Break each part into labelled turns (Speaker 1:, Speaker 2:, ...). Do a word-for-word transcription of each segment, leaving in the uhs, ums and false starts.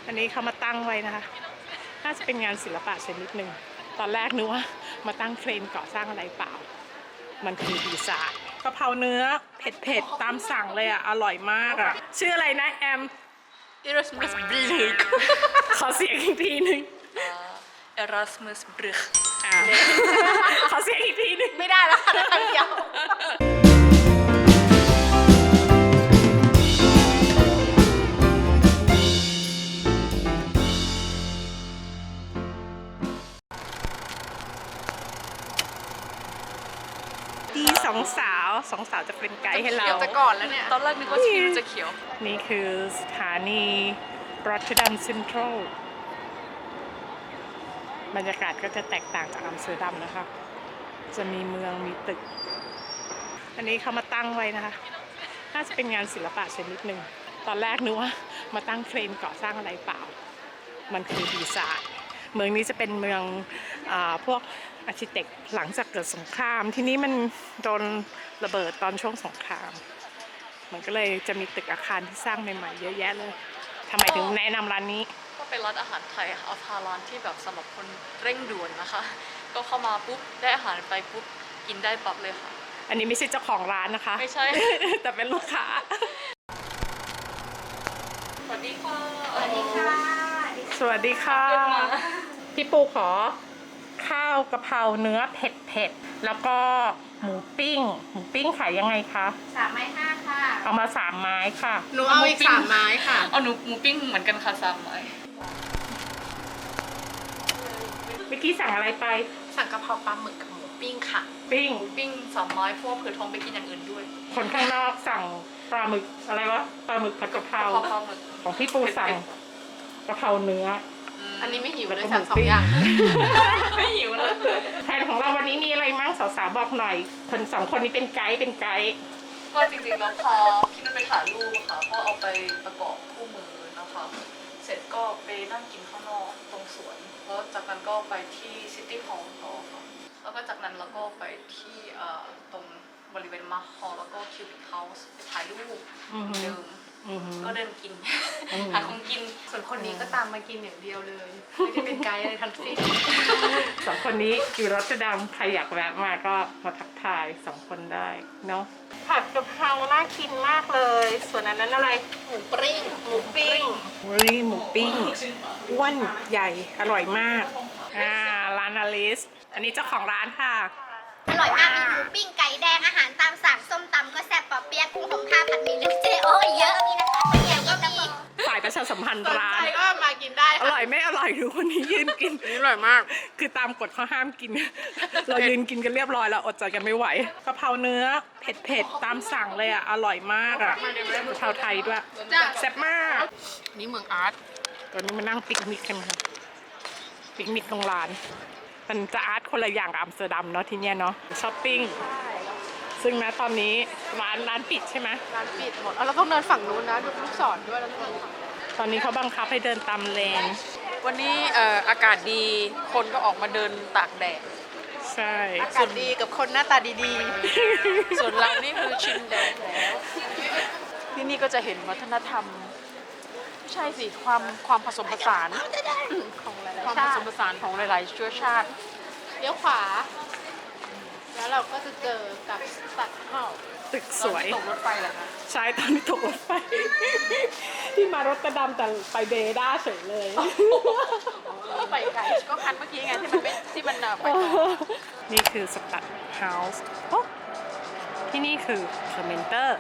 Speaker 1: อันนี้เขามาตั้งไว้นะคะน่าจะเป็นงานศิลปะชนิดหนึ่งตอนแรกนึกว่ามาตั้งเครนก่อสร้างอะไรเปล่ามันคือดีไซน์กะเพราเนื้อเผ็ดๆตามสั่งเลยอ่ะอร่อยมากอ่ะชื่ออะไรนะแอม
Speaker 2: Erasmus Brück
Speaker 1: ขอเสียงอีกทีหนึ่ง
Speaker 2: Erasmus Brück
Speaker 1: ขอเสียงอีกทีหนึ่ง
Speaker 2: ไม่ได้แล้วค่ะคำเดียว
Speaker 1: ดีสองสาวสองสาวจะเป็นไกด์ให้เรา
Speaker 2: เขียวแต่ก่อนแล้วเนี่ย ตอนแรกนึกว่าชีวิตจะเขียว
Speaker 1: นี่คือสถานีรอตเทอร์ดัมเซ็นทรัลบรรยากาศก็จะแตกต่างจากอัมสเตอร์ดัมนะคะจะมีเมืองมีตึกอันนี้เขามาตั้งไว้นะคะน่าจะเป็นงานศิลปะชนิดหนึ่งตอนแรกนึกว่ามาตั้งเครนก่อสร้างอะไรเปล่ามันคือดีไซน์เมืองนี้จะเป็นเมืองอ่าพวกอาร์คิเทคหลังจากเกิดสงครามที่นี้มันโดนระเบิดตอนช่วงสงครามมันก็เลยจะมีตึกอาคารที่สร้างใหม่ๆเยอะแยะเลยทำไมถึงแนะนำร้านนี้
Speaker 2: ก็เป็นร้านอาหารไทยอาพาร้านที่แบบสำหรับคนเร่งด่วนนะคะก็เข้ามาปุ๊บได้อาหารไปปุ๊บกินได้ปั๊บเลยค่ะ
Speaker 1: อันนี้ไม่ใช่เจ้าของร้านนะคะ
Speaker 2: ไม่ใช่
Speaker 1: แต่เป็นลูกค้า
Speaker 2: สวัสดีค่ะ
Speaker 3: สวัสดีค่ะ
Speaker 1: สวัสดีค่ะพี่ปูขอข้าวกะเพราเนื้อเผ็ดเผ็ดแล้วก็หมูปิ้งหมูปิ้งขายยังไงคะ
Speaker 3: สามไม้ห้าค่ะ
Speaker 1: เอามาสามไม้ค่ะ
Speaker 3: หนูเอาอีกสามไม้ค่ะ
Speaker 2: เอาหนูหมูปิ้งเหมือนกันค่ะสามไม้
Speaker 1: เมื่อกี้สั่งอะไรไป
Speaker 3: สั่งกะเพราปลาหมึกกับหมูปิ้งค่ะ
Speaker 1: ปิ้ง
Speaker 2: หมูปิ้งสามไม้เพราะว่าเผื่อท้องไปกินอย่างอื่นด้วย
Speaker 1: คนข้างนอกสั่งปลาหมึกอะไรวะปลาหมึกผัดกะเพรา
Speaker 2: ปลาหมึก
Speaker 1: ของพี่ปูสั่งกะเพราเนื้อ
Speaker 3: อันนี้ไม่หิวเลยสั่งสองอย่าง
Speaker 2: ไม่หิวเลย
Speaker 1: แผนของเราวันนี้มีอะไรมั้งสาวๆบอกหน่อยคนสองคนนี้เป็นไกด์เป็นไกด์
Speaker 2: ก็จริงๆแล้วพาพี่นุ่นไปถ่ายรูปค่ะก็เอาไปประกอบคู่มือนะคะเสร็จก็ไปนั่งกินข้างนอกตรงสวนแล้วจากนั้นก็ไปที่ซิตี้ฮอลล์ต่อค่ะแล้วก็จากนั้นเราก็ไปที่ตรงบริเวณมาร์คฮอลล์แล้วก็คิวบิคเฮาส์ไปถ่ายรูปเดิมก็เดินกินหาของกิน
Speaker 3: ส่วนคนนี้ก็ตามมากินอย่างเดียวเลยไม่ได้เป็นไกด์อะไรทั้งสิ้น
Speaker 1: สองคนนี้อยู่รอตเตอร์ดัมใครอยากแวะมาก็มาทักทายสองคนได้เนาะผัดกะเพราน่ากินมากเลยส่วนอันนั้นอะไร
Speaker 3: หมูปิ้ง
Speaker 1: หมูปิ้งนี่หมูปิ้งอ้วนใหญ่อร่อยมากอ่าร้านอลิสอันนี้เจ้าของร้านค่ะ
Speaker 4: อร่อยมากมีหมูปิ้งไก่แดงอาหารตามสั่งส้มตำก็แซ่บปอเปี๊ยะกุ้งหงข้าวผัดหมี่ลูกเจโอ้ยเยอะมีนะคะข้าวเหนียวก็มี
Speaker 1: ฝ่ายประชาสัมพันธ์ร้าน
Speaker 3: ก็มากินได้
Speaker 1: อร่อยไม่อร่อยดูคนนี้ยืนกิน
Speaker 3: อร่อยมาก
Speaker 1: คือตามกฎเขาห้ามกินเรายืนกินกันเรียบร้อยแล้วอดใจกันไม่ไหวกะเพราเนื้อเผ็ดๆตามสั่งเลยอ่ะอร่อยมากอ่ะกะเพราไทยด้วยแซ่บมาก
Speaker 3: นี่เมืองอาร์ต
Speaker 1: ตอนนี้มานั่งปิกนิกกันค่ะปิกนิกตรงร้านมันจะอาร์ตคนละอย่างกับอัมสเตอร์ดัมเนาะที่เนี้ยเนาะช้อปปิ้งซึ่งนะตอนนี้ร้านร้านปิดใช่ไหม
Speaker 3: ร้านปิดหมดเราต้องเดินฝั่งนู้นนะดูลูกศรด้วยแล้วต้อง
Speaker 1: ตอนนี้เขาบังคับให้เดินตามเลน
Speaker 2: วันนี้เอ่ออากาศดีคนก็ออกมาเดินตากแดด
Speaker 1: ใช่
Speaker 3: อากาศดีกับคนหน้าตาดี
Speaker 2: ๆส่วนเรานี่คือชินแดดแล้วที่นี่ก็จะเห็นวัฒนธรรมไม่ใช่สิความความผสมผสาน
Speaker 3: ของหลาย
Speaker 2: ความผสมผสานของหลายๆเชื้อชาติ
Speaker 3: เลี้ยวขวาแล้วเราก็จะเจอกับสัตว์เห่า
Speaker 1: ตึกสวย
Speaker 2: ตกรถไฟเหรอคะ
Speaker 1: ใช่ตอนนี้ตกรถไฟที่มารถตะดำแต่ไปเบด้าเฉยเลย
Speaker 2: ไปไกลก็คันเมื่อกี้ไงที่มันไม่ที่มันไป
Speaker 1: นี่คือสตัดเฮาส์ที่นี่คือคอมเมนเตอร์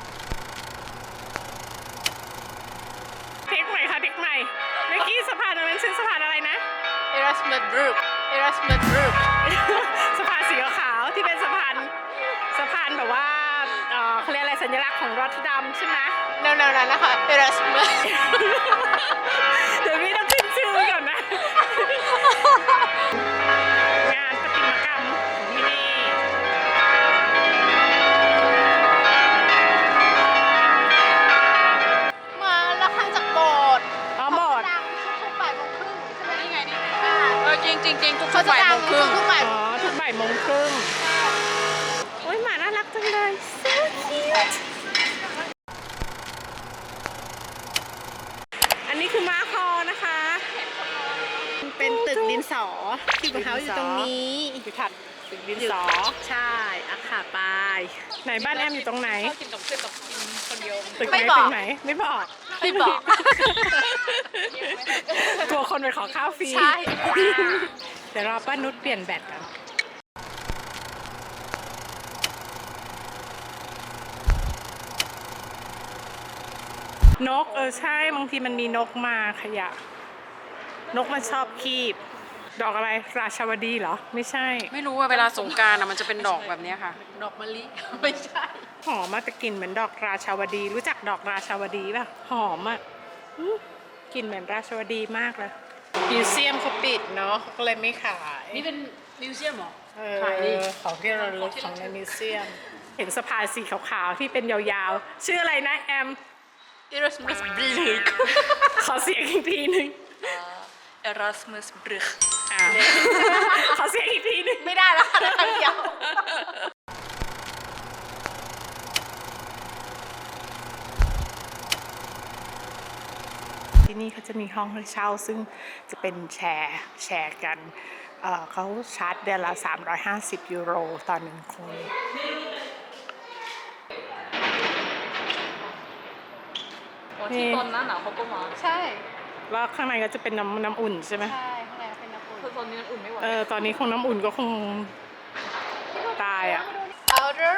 Speaker 1: เทคใหม่ค่ะเทคใหม่เมื่อกี้สะพานนั้นชื่อสะพานอะไรนะ
Speaker 3: Erasmus Brück Erasmus Brück
Speaker 1: สะพานสีขาวที่เป็นสะพานสะพานแบบว่าเขาเรียกอะไรสัญลักษณ์ของรอตเทอร์ดัมใช่ไหม
Speaker 3: แนวๆนั้นนะคะ Erasmus
Speaker 1: เดี๋ยวพี่ต้องขึ้นชื่อก่อนนะงานประติมากรรมของที่นี่
Speaker 3: มาแล้วข้างจากโบสถ์
Speaker 1: อ๋อโบสถ์
Speaker 3: ทุกบ่ายโมงครึ่งใช่ไหมนี่ไงนี่
Speaker 2: เออจริงจริงจริงทุกบ่ายโมงครึ่ง
Speaker 3: ทุกบ่าย
Speaker 1: อ๋อทุกบ่ายโมงครึ่งโอ้ยหมาน่ารักจังเลย so cute อันนี้คือม้าคอ
Speaker 3: นะคะ เป็นตึกดินสอที่เขาอยู่ตรงนี้
Speaker 1: อยู่ถัดตึกดินสอ
Speaker 3: ใช่อะค่ะไป
Speaker 1: ไหนบ้านแอมอยู่ตรงไหน
Speaker 2: ชอบกินกับเพื่อนกับกินคนเดียว
Speaker 1: ตึกไหน
Speaker 3: ไม่บอก
Speaker 1: ตึกไหนไม่บอก
Speaker 3: ไม่บอก
Speaker 1: กลัวคนไปขอข้าวฟรี
Speaker 3: ใช่
Speaker 1: เดี๋ยวรอป้านุชเปลี่ยนแบตกันนกเออใช่บางทีมันมีนกมาขยะ นกมันชอบคีบ ดอกอะไรราชาวดีเหรอ ไม่ใช่
Speaker 5: ไม่รู้ว่าเวลาสงกรารอะมันจะเป็นดอกแบบเนี้ยค่ะ
Speaker 3: ดอกมะลิ ไม่ใช่
Speaker 1: หอมมากแต่กลิ่นเหมือนดอกราชาวดี รู้จักดอกราชาวดีป่ะ หอมอ่ะอื้อกลิ่นเหมือนราชาวดีมากเลยมิวเซียมเขาปิดเนาะเขาก็เลยไม่ขาย
Speaker 5: นี่เป็นมิวเซียมเหรอ
Speaker 1: เออ
Speaker 5: ขายดิ
Speaker 1: ของที่ระลึกของในมิวเซียม เห็นสะพานสีขาวๆที่เป็นยาวๆ ชื่ออะไรนะแอม
Speaker 2: Erasmus Brück
Speaker 1: ขอเสียงอีกทีหนึ่ง
Speaker 2: Erasmus Brück
Speaker 1: อ่ะ ขอเสียงอีกทีหนึ่ง
Speaker 3: ไม่ได้แล้วค่ะได้คำเดียว
Speaker 1: ที่นี่เขาจะมีห้องให้เช่าซึ่งจะเป็นแชร์แชร์กันเอ่อเขาชาร์จเดือนละ สามร้อยห้าสิบ ยูโรต่อหนึ่งคน
Speaker 2: อ๋อที่ตอนหน้าหนาวเขาก็มา
Speaker 3: ใช่
Speaker 1: แล้วข้างในก็จะเป็นน้ำน้ำอุ่นใช่ไหม
Speaker 3: ใช่ข้างในเป็นน้ำอุ่น
Speaker 2: คือตอนนี้มันอุ่นไม่ไหว
Speaker 1: เออตอนนี้คงน้ำอุ่นก็คงตายอ่ะ
Speaker 3: Outer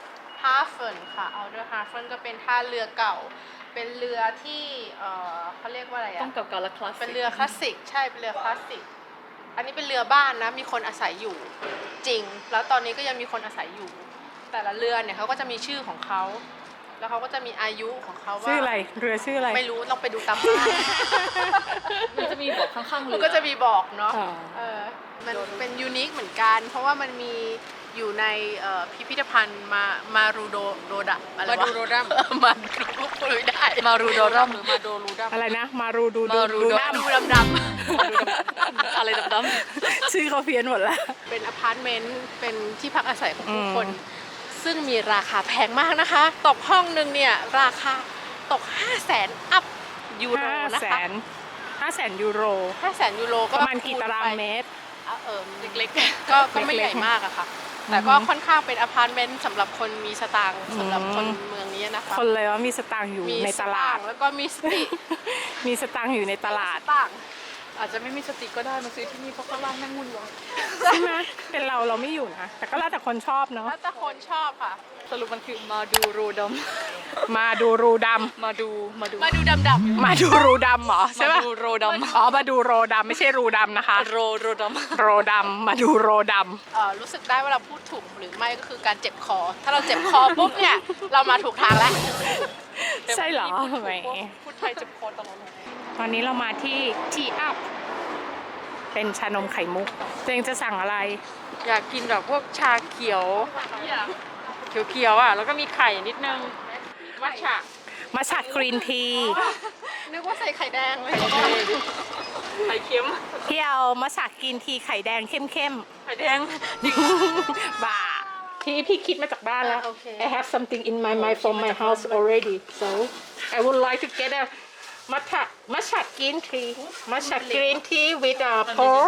Speaker 3: Hafen ค่ะ Outer Hafen ก็เป็นท่าเรือเก่า เป็นเรือที่เอ่อเขาเรียกว่าอะไร
Speaker 2: ต้อ
Speaker 3: อะ
Speaker 2: งเก่าๆและคลาสสิก
Speaker 3: เป็นเรือคลาสสิก ใช่ เป็นเรือคลาสสิก อันนี้เป็นเรือบ้านนะ มีคนอาศัยอยู่จริง แล้วตอนนี้ก็ยังมีคนอาศัยอยู่ แต่ละเรือเนี่ยเขาก็จะมีชื่อของเขา แล้วเขาก็จะมีอายุของเขาว่า
Speaker 1: ชื่ออะไรเรือชื่ออะไร
Speaker 3: ไม่รู้ต้องไปดูตามบ้าน
Speaker 2: มันจะมีบอกข้างๆเรื
Speaker 3: มัน
Speaker 2: อ
Speaker 3: ก็จะมีบอกเนาะ
Speaker 1: อ๋อ
Speaker 3: เออ มันเป็นยูนิคเหมือนกัน เพราะว่ามันมีอยู่ในเอ่อพิพิธภัณฑ์มามารูโดโดดะอะไรวะ
Speaker 5: มาดูโรดัม
Speaker 3: มาดูพูดไม่ได้
Speaker 2: มารูโดรัม
Speaker 5: หรือมาโดรูดัม
Speaker 1: อะไรนะ มารูดูดู
Speaker 2: มารู
Speaker 1: ดู
Speaker 2: ดู
Speaker 1: ดัม
Speaker 3: ดูดำดำ
Speaker 2: อะไรดำ
Speaker 1: ชื่อเขาเพี้ยนหมดละ
Speaker 3: เป็นอพาร์ตเมนต์ เป็นที่พักอาศัยของผู้
Speaker 1: อืม
Speaker 3: คน ซึ่งมีราคาแพงมากนะคะ ตกห้องหนึ่งเนี่ย ราคาตก ห้าแสน อัพยูโร
Speaker 1: ห้า
Speaker 3: นะ
Speaker 1: แส
Speaker 3: คะ
Speaker 1: นห้าแสนยูโร
Speaker 3: ห้าแสนยูโรก็
Speaker 1: ประมาณกี่ตารางเมตร
Speaker 3: อ่ะเออเล็กๆ ก็ก็ไม่ใหญ่มากอะค่ะ แต่ก็ค่อนข้างเป็นอพาร์ตเมนต์สำหรับคนมีสตางค์สำหรับคนเมืองนี้นะคะ
Speaker 1: คนเลยว่ามีสตางค์อยู่
Speaker 3: มี
Speaker 1: ในตลาด
Speaker 3: สงค์แล้วก็มีสติ
Speaker 1: มีสตางค์อยู่ในตลาด
Speaker 3: สตางค์
Speaker 2: ๆอาจจะไม่มีสติก็ได้มาซื้อที่นี่เพราะข้างล่างแม่งวุ่นวาย
Speaker 1: ใช่ไหมเป็นเราเราไม่อยู่นะ แต่ก็แล้วแต่คนชอบเนาะ
Speaker 3: แล้วแต่คนชอบค่ะ
Speaker 2: สรุปมันคือมาดูโรดัม
Speaker 1: มาดูรูด
Speaker 2: มาดูมาดู
Speaker 3: มาดูดำดำ
Speaker 1: ำมาดูรูดำเหรอใช่
Speaker 2: มา
Speaker 1: ปะ
Speaker 2: ดูโรดัม
Speaker 1: อ๋อมาดูโรดำไม่ใช่รูดำนะคะ
Speaker 2: โรโรดัม
Speaker 1: โรดำมาดูโรด
Speaker 3: เอ่อรู้สึกได้ว่าเราพูดถูกหรือไม่ก็คือการเจ็บคอ ถ้าเราเจ็บคอปุ๊บเนี่ย เรามาถูกทางแล้ว
Speaker 1: ำใช่เหรอแหม
Speaker 2: พูดไทยเจ็บคอตลอดเลย
Speaker 1: ตอนนี้เรามาที่ทีอัพเป็นชานมไข่มุกตัวเองจะสั่งอะไร
Speaker 5: อยากกินแบบพวกชาเขียว เขียวๆอ่ะ แล้วก็มีไข่นิดนึงมัทฉะ
Speaker 1: มาชัดกรีนที
Speaker 3: นึกว่าใส่ไข่แดงเลย
Speaker 5: ไข่เค็ม
Speaker 1: พี่เอามาชัดกรีนทีไข่แดงเข้ม
Speaker 5: ไข่แดง
Speaker 1: ๆ บ้าที่พี่คิดมาจากบ้านแล้ว
Speaker 3: โอเค
Speaker 1: I have something in my mind from my house already so I would like to get a matcha matcha green tea matcha green tea with a pork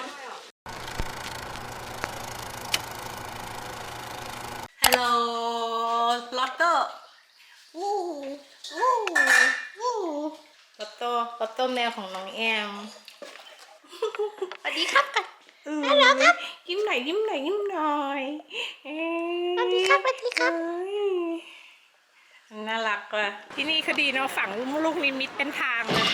Speaker 1: Hello Lotto วู้วู้วู้ลอตโต้ลอตโต้แมวของน้องแอม
Speaker 3: สวัสดีครับกัน
Speaker 1: ฮัลโหลครับยิ้มหน่อยยิ้มหน่อยยิ้มหน่อยเอ้ย
Speaker 3: สวัสดีครับสวัสดีครับ
Speaker 1: เอ้ยน่ารักว่ะที่นี่เขาดีเนาะฝังลูกนิมิตเป็นทางเลย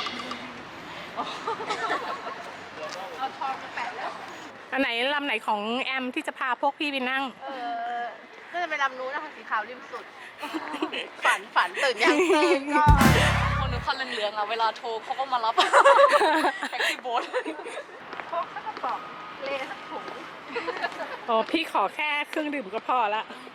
Speaker 3: เอาทองมาแปะแล้ว
Speaker 1: อันไหนลำไหนของแอมที่จะพาพวกพี่ไปนั่ง
Speaker 3: เออน่าจะเป็นลำนู้นนะคะสีขาวริมสุด ฝันฝันตื่นยังตื่นก่อน
Speaker 2: คนนึกคันเหลืองๆอ่ะเวลาโทรเขาก็มารับ แท็กซี่โบ๊ท
Speaker 3: พกข้าวกระป๋องเลสักถุง
Speaker 1: โอ้พี่ขอแค่เครื่องดื่มก็พอละ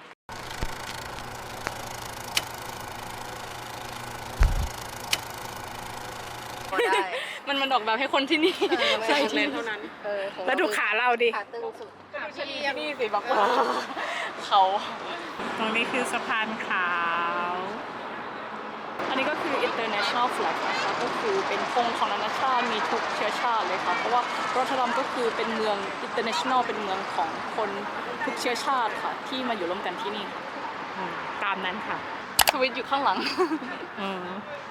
Speaker 3: ได้
Speaker 2: มันมันออกแบบให้คนที่นี่
Speaker 3: ใช่
Speaker 5: เลนเท่านั้น
Speaker 3: เออของ
Speaker 1: แล้วดูขาเราดิ
Speaker 3: ขาตึงสุดขาเฉลี่ย
Speaker 2: นี่สิบอกว่าเขา
Speaker 1: ตรงนี้คือสะพานขาว
Speaker 2: อัน
Speaker 1: นนี้ก็คือ international flag นะคะก็คือเป็นธงของนานาชาติมีทุกเชื้อชาติเลยค่ะเพราะว่ารอตเทอร์ดัมก็คือเป็นเมือง international เป็นเมืองของคนทุกเชื้อชาติค่ะที่มาอยู่ร่วมกันที่นี่ค่ะอืมตามนั้นค่ะ
Speaker 2: สวิตช์อยู่ข้างหลัง
Speaker 1: อืม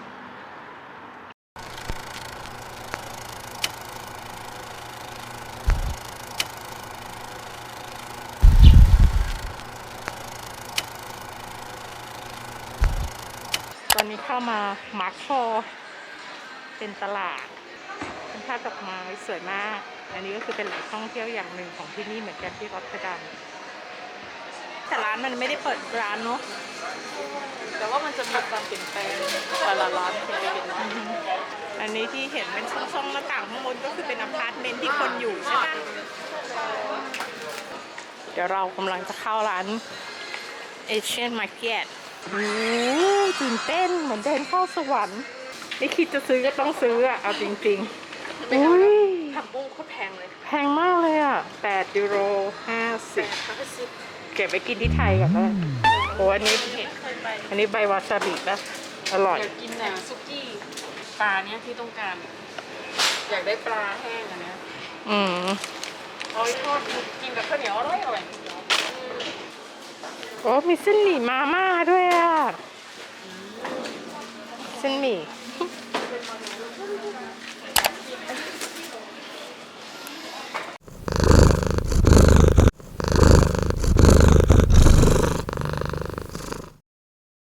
Speaker 1: ตอนนี้เข้ามามาร์คคอเป็นตลาดเป็นภาพดอกไม้สวยมาก อันนี้ก็คือเป็นแหล่งท่องเที่ยวอย่างหนึ่งของที่นี่เหมือนกันที่รอตเทอร์ดัมแต่ร้านมันไม่ได้เปิดร้านเนาะ
Speaker 2: แต่ว่ามันจะมีการเปลี่ยนแปลงแต่ละร้านเป็นไปเป็นร้าน
Speaker 1: อันนี้ที่เห็นเป็นช่องๆหน้าต่างข้างบนก็คือเป็นอพาร์ตเมนต์ที่คนอยู่ใช่ไหมเดี๋ยวเรากำลังจะเข้าร้าน Asian Market โอ้ตื่นเต้นเหมือนเดินเข้าสวรรค์ไม่คิดจะซื้อก็ต้องซื้ออะเอาจริงๆอุ้ย
Speaker 3: ผักบุ้งโคตรแพงเลย
Speaker 1: แพงมากเลยอ่ะแปดยูโรห้าสิบเก็บไว้กินที่ไทยก่อนเลยโอ้อันนี้อันนี้ใบวาซาบินะอร่อย
Speaker 5: อยากกินอ่ะซุกี้ปลาเนี้ยที่ต้องการ อยากได้ปลาแห้งอันเนี้ย
Speaker 1: อืม
Speaker 5: เอาไปทอดกินกับข้าวเหนียวอร่อยอร่อย
Speaker 1: โอ้มีเส้นหมี่มาม่าด้วยอ่ะ เส้นหมี่